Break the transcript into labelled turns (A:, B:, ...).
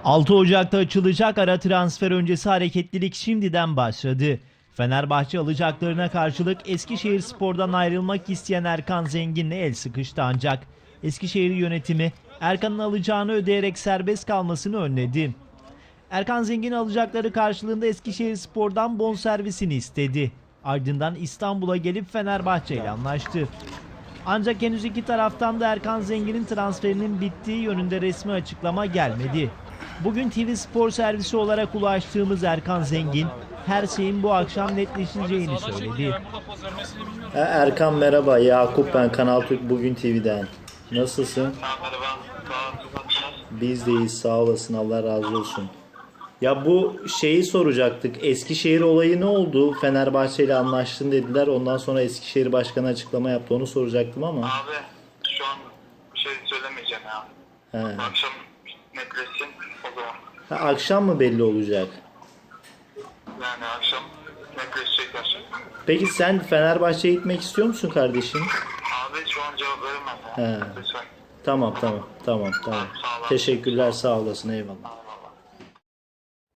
A: 6 Ocak'ta açılacak ara transfer öncesi hareketlilik şimdiden başladı. Fenerbahçe alacaklarına karşılık Eskişehirspor'dan ayrılmak isteyen Erkan Zengin'le el sıkıştı ancak Eskişehir yönetimi Erkan'ın alacağını ödeyerek serbest kalmasını önledi. Erkan Zengin alacakları karşılığında Eskişehirspor'dan bonservisini istedi. Ardından İstanbul'a gelip Fenerbahçe ile anlaştı. Ancak henüz iki taraftan da Erkan Zengin'in transferinin bittiği yönünde resmi açıklama gelmedi. Bugün TV Spor servisi olarak ulaştığımız Erkan Zengin, her şeyin bu akşam netleşeceğini söyledi.
B: Erkan merhaba, Yakup ben Kanal Türk Bugün TV'den. Nasılsın? Biz de iyiyiz, sağ olasın, Allah razı olsun. Ya bu şeyi soracaktık, Eskişehir olayı ne oldu? Fenerbahçe ile anlaştın dediler, ondan sonra Eskişehir Başkanı açıklama yaptı, onu soracaktım ama.
C: Abi şu an bir şey söylemeyeceğim ya.
B: He.
C: Akşam netleşsin o zaman.
B: Ha, akşam mı belli olacak?
C: Yani akşam netleşecekler.
B: Peki sen Fenerbahçe'ye gitmek istiyor musun kardeşim?
C: Abi şu an cevap veremem ya.
B: He.
C: Lütfen.
B: Tamam.
C: Sağ ol.
B: Teşekkürler, sağ olasın, eyvallah.